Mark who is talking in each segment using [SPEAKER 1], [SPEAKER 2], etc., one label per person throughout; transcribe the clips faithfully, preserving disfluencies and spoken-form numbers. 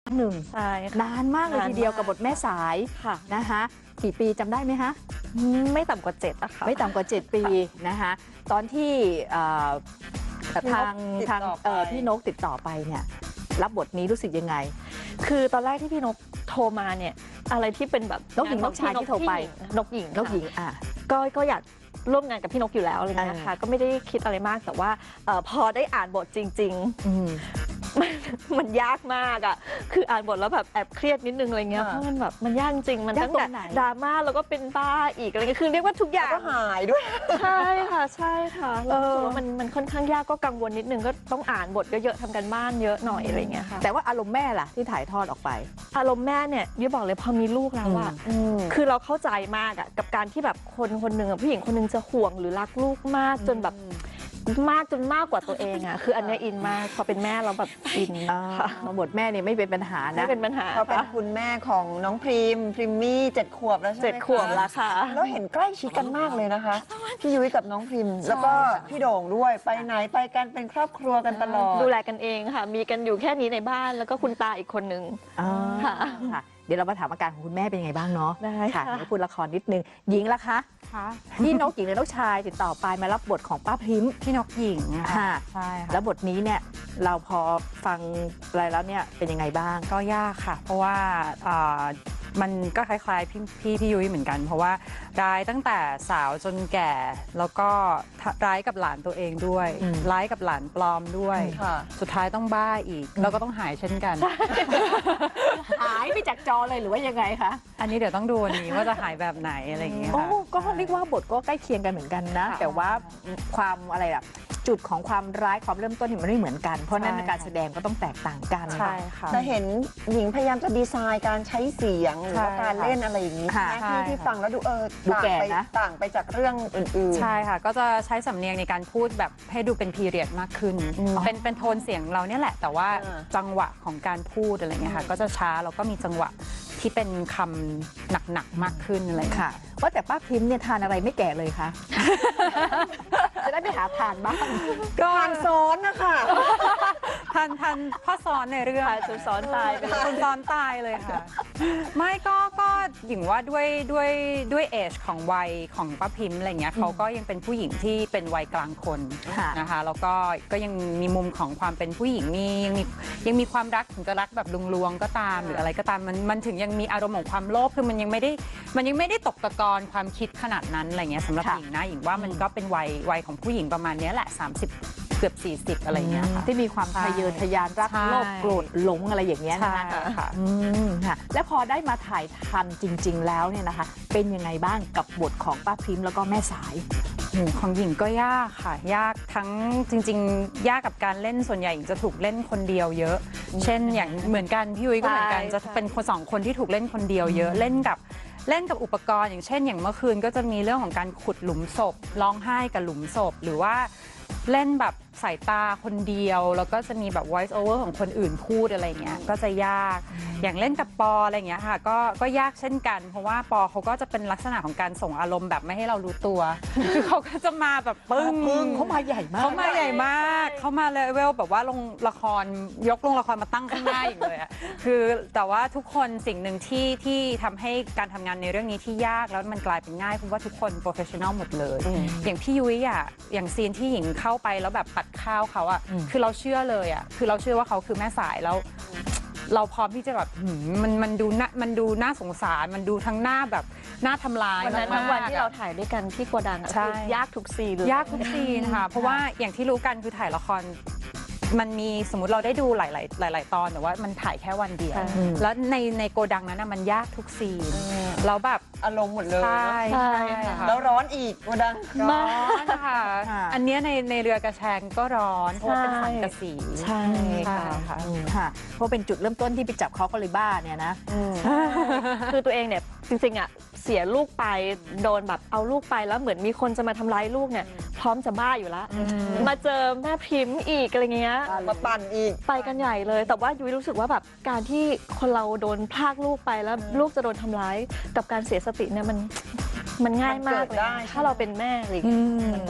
[SPEAKER 1] หนึ่ง
[SPEAKER 2] ใช่
[SPEAKER 1] นานมากเลยทีเดียวกับบทแม่สายค่ะนะคะกี่ปีจำได้ไหมคะ
[SPEAKER 2] ไม่ต่ำกว่าเจ็ดอะค่ะ
[SPEAKER 1] ไม่ต่ำกว่าเจ็ดปีนะคะตอนที่ทางทางพี่นกติดต่อไปเนี่ยรับบทนี้รู้สึกยังไง
[SPEAKER 2] คือตอนแรกที่พี่นกโทรมาเนี่ยอะไรที่เป็นแบบ
[SPEAKER 1] นกหญิงนกชายที่โทรไป
[SPEAKER 2] นกหญิง
[SPEAKER 1] นกหญิงอ่ะ
[SPEAKER 2] ก็ก็อยากร่วมงานกับพี่นกอยู่แล้วอะไรเงี้ยค่ะก็ไม่ได้คิดอะไรมากแต่ว่าพอได้อ่านบทจริงๆมันมันยากมากอ่ะคืออ่านบทแล้วแบบแอบเครียดนิดนึงอะไรเงี้ยเพราะมันแบบมันยากจริงมันตั้งแต่ดราม่าแล้วก็เป็นบ้าอีกอะไรเงี้ยคือเรียกว่าทุกอย่าง
[SPEAKER 3] ก็หายด้วย
[SPEAKER 2] ใช่ค่ะใช่ค่ะแล้วมันมันค่อนข้างยากก็กังวลนิดนึงก็ต้องอ่านบทเยอะๆทำกันบ้านเยอะหน่อยอะไรเงี้ยค่ะ
[SPEAKER 1] แต่ว่าอารมณ์แม่ล่ะที่ถ่ายทอดออกไป
[SPEAKER 2] อารมณ์แม่เนี่ยยุ้ยบอกเลยพอมีลูกแล้วอะคือเราเข้าใจมากอะกับการที่แบบคนคนหนึ่งผู้หญิงคนหนึ่งจะห่วงหรือรักลูกมากจนแบบมากจนมากกว่าตัวเองอะคืออันนี้อินมากพอเป็นแม่เราแบบอิน
[SPEAKER 1] ค่ะบทแม่เนี่ยไม่เป็นปัญหานะ
[SPEAKER 2] ไม่เป็นปัญหา
[SPEAKER 3] เขาเป็นคุณแม่ของน้องพรีมพรีมมี่เจ็ดขวบแล้วใช่ไหม
[SPEAKER 2] เจ็ดขวบแล้วค่ะ
[SPEAKER 3] แล้วเห็นใกล้ชิดกันมากเลยนะคะพี่ยุ้ยกับน้องพรีมแล้วก็พี่โด่งด้วยไปไหนไปกันเป็นครอบครัวกันตลอด
[SPEAKER 2] ดูแลกันเองค่ะมีกันอยู่แค่นี้ในบ้านแล้วก็คุณตาอีกคนนึง
[SPEAKER 1] ค่ะเดี๋ยวเรามาถามอาการของคุณแม่เป็นยังไงบ้างเนาะ
[SPEAKER 2] ได้
[SPEAKER 1] ค่ะเดี๋ยวพูดละครนิดนึงหญิงละคะพี่นกหญิงและนกชายติดต่อไปมารับบทของป้าพริม
[SPEAKER 4] พี่นกหญิง
[SPEAKER 1] ค่ะใช่ค่ะแล้วบทนี้เนี่ยเราพอฟังอะไรแล้วเนี่ยเป็นยังไงบ้าง
[SPEAKER 4] ก็ยากค่ะเพราะว่ามันก็คล้ายๆพี่พี่พี่ยุ้ยเหมือนกันเพราะว่าร้ายตั้งแต่สาวจนแก่แล้วก็ร้ายกับหลานตัวเองด้วยร้ายกับหลานปลอมด้วยสุดท้ายต้องบ้าอีกแล้วก็ต้องหายเช่นกัน
[SPEAKER 1] หายไปจากจอเลยหรือว่ายังไงคะ
[SPEAKER 4] อันนี้เดี๋ยวต้องดูวันนี้ว่าจะหายแบบไหนอะไรอย่างเงี้ยค่ะ
[SPEAKER 1] ก็เรียกว่าบทก็ใกล้เคียงกันเหมือนกันนะแต่ว่าความอะไรอะจุดของความร้ายความเริ่มต้นมันไม่เหมือนกันเพราะนั้นการแสดงก็ต้องแตกต่างกัน
[SPEAKER 4] ใช่ค่ะ
[SPEAKER 3] จะเห็นหญิงพยายามจะดีไซน์การใช้เสียงหรือว่าการเล่นอะไรอย่างนี้ที่ที่ฟังแล้วดูเออต่างไปต่างไปจากเรื่องอื่น
[SPEAKER 4] ๆใช่ค่ะก็จะใช้สำเนียงในการพูดแบบให้ดูเป็นพีเรียดมากขึ้นเป็นเป็นโทนเสียงเราเนี่ยแหละแต่ว่าจังหวะของการพูดอะไรเงี้ยค่ะก็จะช้าแล้วก็มีจังหวะที่เป็นคำหนักๆมากขึ้นอะไร
[SPEAKER 1] ค่ะว่าแต่ป้าพิมพ์เนี่ยทานอะไรไม่แก่เลยคะจะได้ไปหาทานบ้าง
[SPEAKER 3] ก็ทานซ้อนนะคะ
[SPEAKER 4] ทานทานพ่อซ้อนในเรื่อง
[SPEAKER 2] จนซ้อนตายไปเลย
[SPEAKER 4] จนซ้อนตายเลยค่ะไม่ก็ก็หญิงว่าด้วยด้วยด้วยเอจของวัยของป้าพิมพ์อะไรเงี้ยเขาก็ยังเป็นผู้หญิงที่เป็นวัยกลางคนนะคะแล้วก็ก็ยังมีมุมของความเป็นผู้หญิงมียังมียังมีความรักถึงจะรักแบบลวงๆก็ตามหรืออะไรก็ตามมันมันถึงยังมีอารมณ์ของความโลภคือมันยังไม่ได้มันยังไม่ได้ตกตะกอนความคิดขนาดนั้นอะไรเงี้ยสำหรับหญิงนะหญิงว่ามันก็เป็นวัยวัยของผู้หญิงประมาณนี้แหละสามสิบเกือบสี่สิบอะไรเงี้ย
[SPEAKER 1] ที่มีความทะเยอทะยานรักโลภโกรธหลงอะไรอย่างเงี้ยนะคะค่ะและพอได้มาถ่ายทันจริงๆแล้วเนี่ยนะคะเป็นยังไงบ้างกับบทของป้าพิมพ์แล้วก็แม่สาย
[SPEAKER 4] ของหญิงก็ยากค่ะยากทั้งจริงๆยากกับการเล่นส่วนใหญ่หญิงจะถูกเล่นคนเดียวเยอะเช่นอย่างเหมือนกันพี่ยุ้ยก็เหมือนกันจะเป็นคนสองคนที่ถูกเล่นคนเดียวเยอะเล่นกับเล่นกับอุปกรณ์อย่างเช่นอย่างเมื่อคืนก็จะมีเรื่องของการขุดหลุมศพร้องไห้กับหลุมศพหรือว่าเล่นแบบสายตาคนเดียวแล้วก็จะมีแบบ voice over ของคนอื่นพูดอะไรเงี้ยก็จะยากอย่างเล่นกับปออะไรเงี้ยค่ะก็ก็ยากเช่นกันเพราะว่าปอเขาก็จะเป็นลักษณะของการส่งอารมณ์แบบไม่ให้เรารู้ตัวคือเขาก็จะมาแบบปึ้ง
[SPEAKER 1] เขามาใหญ่มาก
[SPEAKER 4] เขามาใหญ่มากเขามาเลเวลแบบว่าลงละครยกลงละครมาตั้งข้างหน้าอย่างเลยอะคือแต่ว่าทุกคนสิ่งหนึ่งที่ที่ทำให้การทำงานในเรื่องนี้ที่ยากแล้วมันกลายเป็นง่ายเพราะว่าทุกคนโปรเฟชชั่นอลหมดเลยอย่างพี่ยุ้ยอะอย่างซีนที่หญิงเข้าไปแล้วแบบปัดข้าวเขาอะคือเราเชื่อเลยอะคือเราเชื่อว่าเขาคือแม่สายแล้วเราพร้อมที่จะแบบมันมันดูน่ามันดูน่าสงสารมันดูทั้งหน้าแบบน่าทำลาย
[SPEAKER 2] วันนั้นทั้งวันที่เราถ่ายด้วยกันที่โกดังคือยากทุกซีนเลย
[SPEAKER 4] ยากทุกซีนค่ะเพราะว่าอย่างที่รู้กันคือถ่ายละครมันมีสมมุติเราได้ดูหลายๆหลายๆตอนแต่ว่ามันถ่ายแค่วันเดียวแล้วในในโกดังนั้นมันยากทุกซีนแล้วแบบ
[SPEAKER 3] อารมณ์หมดเลย
[SPEAKER 4] ใช่ใช่ค่ะ
[SPEAKER 3] แล้วร้อนอีกโกดัง
[SPEAKER 4] ร้อนค่ะอันนี้ในในเรือกระแชงก็ร้อนเพราะเป็นสังกะสี
[SPEAKER 1] ใช่ค่ะค่ะเพราะเป็นจุดเริ่มต้นที่ไปจับเขาก็เลยบ้าเนี่ยนะ
[SPEAKER 2] คือตัวเองเนี่ยจริงๆอ่ะเสียลูกไปโดนแบบเอาลูกไปแล้วเหมือนมีคนจะมาทำร้ายลูกเนี่ยพร้อมจะบ้าอยู่แล้วมาเจอแม่พิมพ์อีกอะไรเงี้ย
[SPEAKER 3] มาปั่นอีก
[SPEAKER 2] ไปกันใหญ่เลยแต่ว่ายุ้ยรู้สึกว่าแบบการที่คนเราโดนพรากลูกไปแล้วลูกจะโดนทำร้ายกับการเสียสติเนี่ยมันมันง่ายมากเลยถ้าเราเป็นแม่อะไรเงี้ยมันแบบ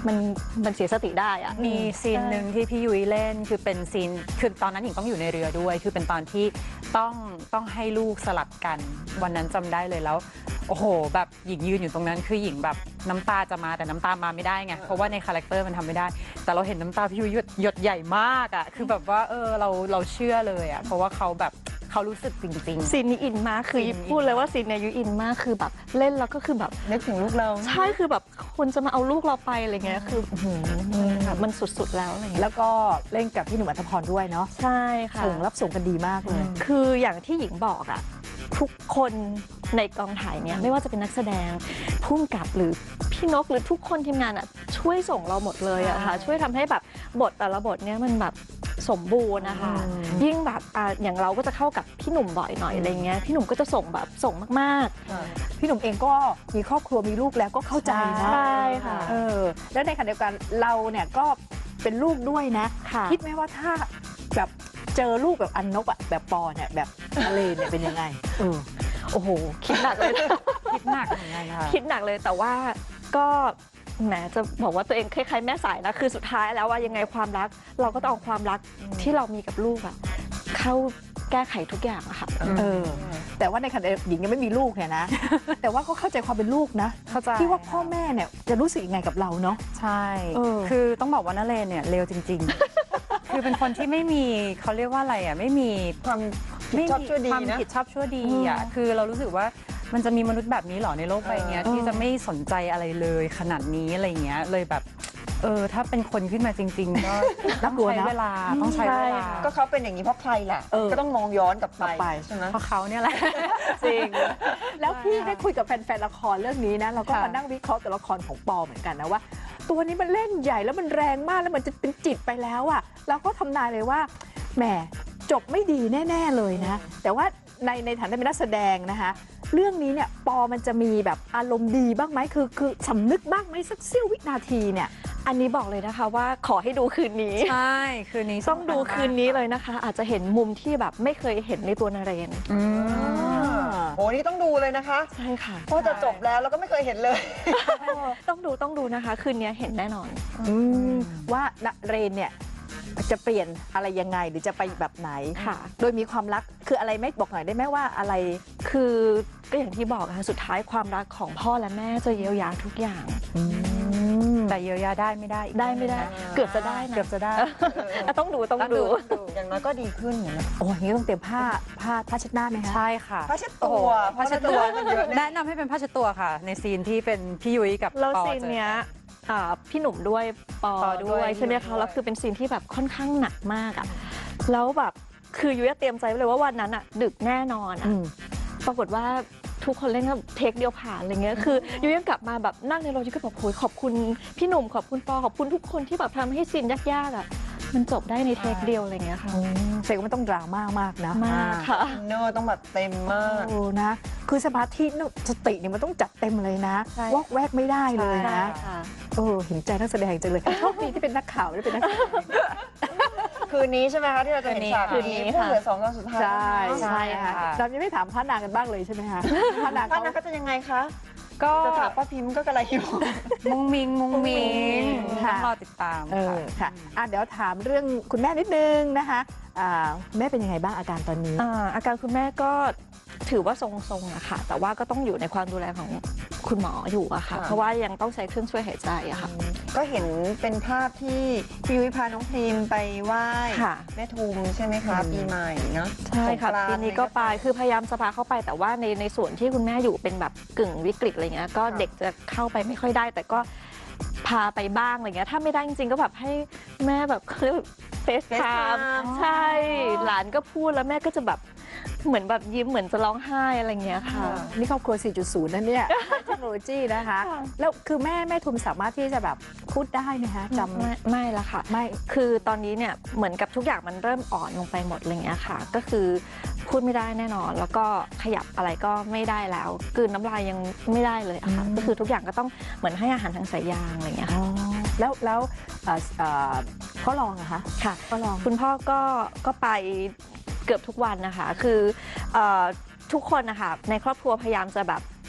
[SPEAKER 2] มันมันเสียสติได้อะ
[SPEAKER 4] มีซีนหนึ่งที่พี่ยุ้ยเล่นคือเป็นซีนคือตอนนั้นหญิงต้องอยู่ในเรือด้วย คือเป็นตอนที่ต้องต้องให้ลูกสลับกันวันนั้นจำได้เลยแล้วโอ้โหแบบหญิงยืนอยู่ตรงนั้นคือหญิงแบบน้ำตาจะมาแต่น้ำตามาไม่ได้ไงเพราะว่าในคาแรคเตอร์มันทำไม่ได้ แต่เราเห็นน้ำตาพี่ยุ้ยหยดหยดใหญ่มากอ่ะคือแบบว่าเออเราเราเชื่อเลยอ่ะเพราะว่าเขาแบบเขารู้สึกจริงๆ
[SPEAKER 2] ซีนนี้อินมากคือ
[SPEAKER 4] ซีนนี้
[SPEAKER 2] พูดเลยว่าซีนเนี้ยยุอินมากคือแบบเล่นแล้วก็คือแบบ
[SPEAKER 3] นึกถึงลูกเรา
[SPEAKER 2] ใช่คือแบบคนจะมาเอาลูกเราไปอะไรเงี้ยคืออื้อหือแบบมันสุดๆแล้วอะไรเงี้ย
[SPEAKER 1] แล้วก็เล่นกับพี่หนุ่มอัธพรด้วยเนาะ
[SPEAKER 2] ใช่ค่ะ
[SPEAKER 1] ส่งรับส่งกันดีมากเลย
[SPEAKER 2] คืออย่างที่หญิงบอกอะทุกคนในกองถ่ายเนี่ยไม่ว่าจะเป็นนักแสดงผู้กำกับหรือพี่นกหรือทุกคนทีมงานอะช่วยส่งเราหมดเลยอะค่ะช่วยทำให้แบบบทแต่ละบทเนี่ยมันแบบสมบูรณ์นะคะ
[SPEAKER 1] อืม
[SPEAKER 2] ยิ่งแบบอ่ะอย่างเราก็จะเข้ากับพี่หนุ่มบ่อยหน่อยอะไรเงี้ยพี่หนุ่มก็จะส่งแบบส่งมาก
[SPEAKER 1] พี่หนุ่มเองก็มีครอบครัวมีลูกแล้วก็เข้าใจ
[SPEAKER 2] ๆ
[SPEAKER 1] นะ
[SPEAKER 2] ใช่ค่ะ
[SPEAKER 1] เออแล้วในขณะเดียวกันเราเนี่ยก็เป็นลูกด้วยนะ
[SPEAKER 2] ค่ะ
[SPEAKER 1] คิดไหมว่าถ้าแบบเจอลูกแบบอันนบอะแบบปอเนี่ยแบบทะเลเนี่ยเป็นยังไงเออ
[SPEAKER 2] โอ้โหคิดหนักเลย
[SPEAKER 4] คิดหนักเหมือนกันค่ะ
[SPEAKER 2] คิดหนักเลยแต่ว่าก็แหมจะบอกว่าตัวเองคล้ายๆแม่สายนะคือสุดท้ายแล้วว่ายังไงความรัก เราก็ต้องเอาความรักที่เรามีกับลูกอะเข้าแก้ไขทุกอย่างอะค่ะ
[SPEAKER 1] เออ แต่ว่าในขณะหญิงยังไม่มีลูกเนี่ยนะ แต่ว่าก็เข้าใจความเป็นลูกนะ
[SPEAKER 4] เข้าใจ
[SPEAKER 1] ที่ว่าพ่อแม่เนี่ยจะรู้สึกยังไงกับเราเนาะ
[SPEAKER 4] ใช่
[SPEAKER 1] เออ
[SPEAKER 4] คือต้องบอกว่านเรนเนี่ยเร็วจริง ๆ คือเป็นคนที่ไม่มีเขาเรียกว่าอะไรอ่ะไม่มี
[SPEAKER 3] ความผิด
[SPEAKER 4] ไม่
[SPEAKER 3] ชอบ
[SPEAKER 4] มี
[SPEAKER 3] ชั่วดี
[SPEAKER 4] ความ
[SPEAKER 3] นะ
[SPEAKER 4] ผิดชอบชั่วดีอ่ะคือเรารู้สึกว่ามันจะมีมนุษย์แบบนี้เหรอในโลกใบเนี้ย
[SPEAKER 1] เออ
[SPEAKER 4] ที่จะไม่สนใจอะไรเลยขนาดนี้อะไรเงี้ยเลยแบบเออถ้าเป็นคนขึ้นมาจริง ๆ ก็
[SPEAKER 1] น่ากลัว
[SPEAKER 4] ใช้
[SPEAKER 1] นะ
[SPEAKER 4] เวลาต้องใช้เวลา
[SPEAKER 3] ก็เขาเป็นอย่างนี้เพราะใครล่ะ
[SPEAKER 1] เออ
[SPEAKER 3] ก็ต้องมองย้อนกลับ
[SPEAKER 1] กลับไป
[SPEAKER 3] ไปใช่ไหม
[SPEAKER 4] เพราะเขาเนี่ยแหละ
[SPEAKER 2] จริง
[SPEAKER 1] แล้วพี่ได้คุยกับแฟนๆละครเรื่องนี้นะเราก็
[SPEAKER 4] ค่ะ
[SPEAKER 1] มานั่งวิเคราะห์ตัวละครของปอเหมือนกันนะว่า ตัวนี้มันเล่นใหญ่แล้วมันแรงมากแล้วมันจะเป็นจิตไปแล้วอะเราก็ทำนายเลยว่าแหมจบไม่ดีแน่ ๆเลยนะ แต่ว่าในในฐานะเป็นนักแสดงนะคะ เรื่องนี้เนี่ยปอมันจะมีแบบอารมณ์ดีบ้างไหมคือคือสำนึกบ้างไหมสักเสี้ยววินาทีเนี่ย
[SPEAKER 2] อันนี้บอกเลยนะคะว่าขอให้ดูคืนนี้
[SPEAKER 4] ใช่คืนนี้
[SPEAKER 2] ต้องดูคืนนี้เลยนะคะ อาจจะเห็นมุมที่แบบไม่เคยเห็นในตัวนเรน
[SPEAKER 4] อืม
[SPEAKER 3] โหนี่ต้องดูเลยนะคะ
[SPEAKER 2] ใช่ค่ะ
[SPEAKER 3] เพราะจะจบแล้วเราก็ไม่เคยเห็นเลย
[SPEAKER 2] ต้องดูต้องดูนะคะ คืนนี้เห็นแน่นอน
[SPEAKER 1] อืมว่าณเรนเนี่ยจะเปลี่ยนอะไรยังไงหรือจะไปแบบไหน
[SPEAKER 2] ค่ะ
[SPEAKER 1] โดยมีความรักคืออะไรไม่บอกหน่อยได้ไหมว่าอะไร
[SPEAKER 2] คือก็อย่างที่บอกค่ะสุดท้ายความรักของพ่อและแม่จะเยียวยาทุกอย่าง
[SPEAKER 4] แต่เยียวยาได้ไม่ได้อีก
[SPEAKER 2] ได้ไม่ได้
[SPEAKER 4] นะ
[SPEAKER 2] เกือบจะได้นะ
[SPEAKER 4] เกือบจะได้
[SPEAKER 2] อ่ะต้องดูต้องดู
[SPEAKER 3] อย่างน้อยก็ดีขึ้นนะ
[SPEAKER 1] โอ้ยอย่างนี้ต้องเตรียมผ้าผ้าผ้าเช็ดหน้าไหมคะ
[SPEAKER 4] ใช่ค่ะ
[SPEAKER 3] ผ้าเช็ดตัวผ้าเช็ดตัวมันเยอะนะ
[SPEAKER 4] แนะนำให้เป็นผ้าเช็ดตัวค่ะ ในซีนที่เป็นพี่ยุ้ยกับ
[SPEAKER 2] แล้ว
[SPEAKER 4] ปอ
[SPEAKER 2] ซีน
[SPEAKER 4] เจอ
[SPEAKER 2] เนี้ยอ่าพี่หนุ่มด้วยปอ
[SPEAKER 4] ปอด้
[SPEAKER 2] ด้
[SPEAKER 4] ว
[SPEAKER 2] วย ยใช่ไหม
[SPEAKER 3] ด้
[SPEAKER 2] คะ
[SPEAKER 3] วย
[SPEAKER 2] แล้วคือเป็นซีนที่แบบค่อนข้างหนักมากอ่ะแล้วแบบคือยุ้ยเตรียมใจไว้เลยว่าวันนั้นอ่ะดึกแน่นอนอ่ะ
[SPEAKER 1] อืม
[SPEAKER 2] ปรากฏว่าทุกคนเล่นก็เทคเดียวผ่านอะไรเงี้ยคือยุ้ยยังกลับมาแบบนั่งในรถยุ้ยก็แบบโหยขอบคุณพี่หนุ่มขอบคุณปอขอบคุณทุกคนที่แบบทำให้ซีนยากๆอ่ะมันจบได้ในเทคเดียวอะไรเงี้ยค่ะ
[SPEAKER 1] เสกว่ามันต้องดราม่ามากนะ
[SPEAKER 2] มากค่ะ
[SPEAKER 3] อินเนอร์ต้องแบบเต็มมาก
[SPEAKER 1] โอ้นะ คือสมาธิเนี่ยสติเนี่ยมันต้องจัดเต็มเลยนะ
[SPEAKER 2] ใช่
[SPEAKER 1] วอกแวกไม่ได้เลย
[SPEAKER 2] ใช่
[SPEAKER 1] นะ
[SPEAKER 2] ค่ะ
[SPEAKER 1] เออเห็นใจนักแสดงจังเลยโชคดีที่เป็นนักข่าวไม่ได้เป็นนักแสดง
[SPEAKER 3] คืนนี้ใช่ไหมคะที่เราจะเห็นฉาก
[SPEAKER 2] คืนนี้
[SPEAKER 3] นี้
[SPEAKER 2] ค่ะ
[SPEAKER 3] ผู้เหลือสองตอนสุดท้าย
[SPEAKER 1] ใช่
[SPEAKER 4] ใช่ค่ะ
[SPEAKER 1] เรายังไม่ถามพระนางกันบ้างเลยใช่ไหมคะพระนาง
[SPEAKER 3] ป้า
[SPEAKER 1] เขา
[SPEAKER 3] นัก็จะยังไงคะ
[SPEAKER 4] ก็
[SPEAKER 3] จะถามป้าพิมพ์ก็กระไรอยู่
[SPEAKER 4] มุงมิงมุงมิง
[SPEAKER 1] ค่ะ
[SPEAKER 4] ต้องรอติดตาม
[SPEAKER 1] เออค่ะอ่ะ เดี๋ยวถามเรื่องคุณแม่นิดนึงนะคะอ่าแม่เป็นยังไงบ้างอาการตอนนี้
[SPEAKER 2] อ่าอาการคุณแม่ก็ถือว่าทรงๆอะค่ะ แต่ว่าก็ต้องอยู่ในความดูแลของคุณหมออยู่อะค่ะ
[SPEAKER 3] ค่ะ
[SPEAKER 2] เพราะว่ายังต้องใช้เครื่องช่วยหายใจอะค่ะ
[SPEAKER 3] ก็เห็นเป็นภาพที่พี่ยุ้ยพาน้องพิมพ์ไปไหว้
[SPEAKER 2] ค่ะ
[SPEAKER 3] แม่ทุมใช่ไหมคะ
[SPEAKER 1] อืม
[SPEAKER 3] ปีใหม่เนาะ
[SPEAKER 2] ใช่ค่ะ
[SPEAKER 3] สงกรานต์
[SPEAKER 2] ปีนี้ก็ไปคือพยายามจะพาเข้าไป แต่ว่าในในส่วนที่คุณแม่อยู่เป็นแบบกึ่งวิกฤตอะไรเงี้ยก็เด็กจะเข้าไปไม่ค่อยได้ แต่ก็พาไปบ้างอะไรเงี้ยถ้าไม่ได้จริงๆก็แบบให้แม่แบบเขาเรียกเฟซไทม์
[SPEAKER 3] FaceTime
[SPEAKER 2] ใช่หลานก็พูดแล้วแม่ก็จะแบบเหมือนแบบยิ้มเหมือนจะร้องไห้อะไรเงี้ยค่ะ
[SPEAKER 1] นี่ครอบครัว สี่จุดศูนย์ นั่นเนี่ย เทคโนโลยีนะคะ
[SPEAKER 2] ค่ะ
[SPEAKER 1] แล้วคือแม่แม่ทุมสามารถที่จะแบบพูดได้ไหมคะจำ
[SPEAKER 2] ไม่ไม่ละค่ะ
[SPEAKER 1] ไม่
[SPEAKER 2] คือตอนนี้เนี่ยเหมือนกับทุกอย่างมันเริ่มอ่อนลงไปหมดอะไรเงี้ยค่ะ ก็คือพูดไม่ได้แน่นอน แล้วก็ขยับอะไรก็ไม่ได้แล้วกลืนน้ำลายยังไม่ได้เลยอะค่ะ
[SPEAKER 1] อืม
[SPEAKER 2] ก็คือทุกอย่างก็ต้องเหมือนให้อาหารทางสายยางอะไรเงี้ย
[SPEAKER 1] อ๋
[SPEAKER 2] ค่ะ
[SPEAKER 1] อแล้วแล้วเอ่อเอ่อพ่อรองอะคะ
[SPEAKER 2] ค่ะ
[SPEAKER 1] พ่อรอง
[SPEAKER 2] คุณพ่อก็ก็ไปเกือบทุกวันนะคะ คือเอ่อทุกคนนะคะในครอบครัวพยายามจะแบบ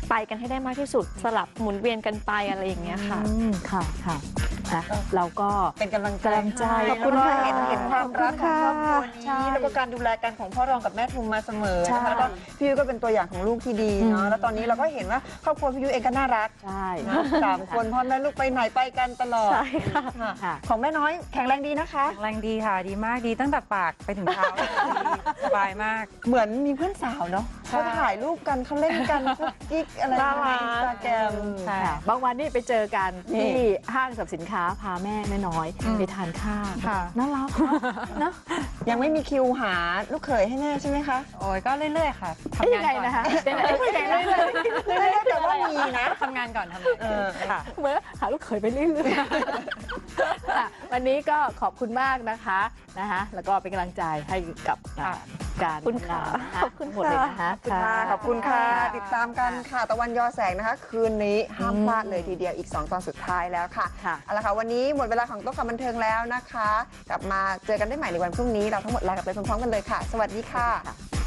[SPEAKER 2] ไปกันให้ได้มากที่สุดสลับหมุนเวียนกันไปอะไรอย่างเงี้ยค่ะ
[SPEAKER 1] อืมค่ะค่ะอ่ะเราก็
[SPEAKER 3] เป็นกำลังใจ
[SPEAKER 1] กำลังใจ
[SPEAKER 3] ให้
[SPEAKER 1] ขอบคุณ
[SPEAKER 3] แล้วก็
[SPEAKER 1] ค่ะ
[SPEAKER 3] เห็นเห็นความรักของครอบครัว
[SPEAKER 1] ใช่
[SPEAKER 3] นี้แล้วก็การดูแลกันของพ่อรองกับแม่ทุมมาเสมอ
[SPEAKER 1] ใช่
[SPEAKER 3] นะคะแล้วก็พี่ยุ้ยก็เป็นตัวอย่างของลูกที่ดีเนาะแล้วตอนนี้เราก็เห็นว่าครอบครัวพี่ยุ้ยเองก็น่ารัก
[SPEAKER 1] ใช่
[SPEAKER 3] นะสามคนพ่อแม่ลูกไปไหนไปกันตลอด
[SPEAKER 2] ใช่ค่ะ
[SPEAKER 3] ค่ะ
[SPEAKER 1] ค่ะ
[SPEAKER 3] ของแม่น้อยแข็งแรงดีนะคะ
[SPEAKER 4] แรงดีค่ะดีมากดีตั้งแต่ปากไปถึงเท้า สบายมาก
[SPEAKER 3] เหมือนมีเพื่อนสาวเนาะ
[SPEAKER 4] ใช่
[SPEAKER 3] เขาถ่ายรูปกันเขาเล่นกันคุกกิ๊กอะไร
[SPEAKER 2] น่ารั
[SPEAKER 3] ใน
[SPEAKER 2] ก
[SPEAKER 3] อินสตาแกรม
[SPEAKER 4] ใช่
[SPEAKER 1] ค่ะบางวันนี่ไปเจอกัน
[SPEAKER 3] นี่
[SPEAKER 1] ที่ห้างสรรพสินค้าพาแม่แม่น้อย
[SPEAKER 4] อืม
[SPEAKER 1] ไปทานข้าว
[SPEAKER 4] ค่ะ
[SPEAKER 1] น่ารักเนอะ
[SPEAKER 3] ยังไม่มีคิวหาลูกเขยให้แม่ใช่ไหมคะ
[SPEAKER 4] โอ้ยก็เรื่อยๆค่ะ
[SPEAKER 1] เอ๊ะ
[SPEAKER 4] ทำ
[SPEAKER 1] ยัง
[SPEAKER 4] งาน
[SPEAKER 1] ไง
[SPEAKER 4] ก่อน
[SPEAKER 1] นะคะยังไงยังไงเรื่อยๆ
[SPEAKER 3] เรื่อยๆแต่ว่ามีนะ
[SPEAKER 4] ทำงานก่อนทำงาน
[SPEAKER 3] เอ
[SPEAKER 4] ก่อน
[SPEAKER 3] อ
[SPEAKER 4] ค่ะ
[SPEAKER 1] เหมือนหาลูกเขยไปเรื่อยๆค่ะวันนี้ก็ขอบคุณมากนะคะนะคะแล้วก็เป็นกำลังใจให้กับอ่าการ
[SPEAKER 2] ขอบคุณค่ะ
[SPEAKER 1] ทำงานน
[SPEAKER 2] ขอบคุณ
[SPEAKER 1] ทั้งหมดเลย
[SPEAKER 2] ค่ะ
[SPEAKER 1] นะคะ
[SPEAKER 3] ขอบคุณค่ะ ติดตามกันค่ะ ตะวันยอแสงนะคะ คืนนี้ห้ามพลาดเลยทีเดียวอีก สอง ตอนสุดท้ายแล้วค่ะ
[SPEAKER 1] ค่ะ
[SPEAKER 3] เอาละค่ะ วันนี้หมดเวลาของโต๊ะข่าวบันเทิงแล้วนะคะ กลับมาเจอกันได้ใหม่ในวันพรุ่งนี้ เราทั้งหมดลากันไปพร้อมๆกันเลยค่ะ สวัสดีค่ะ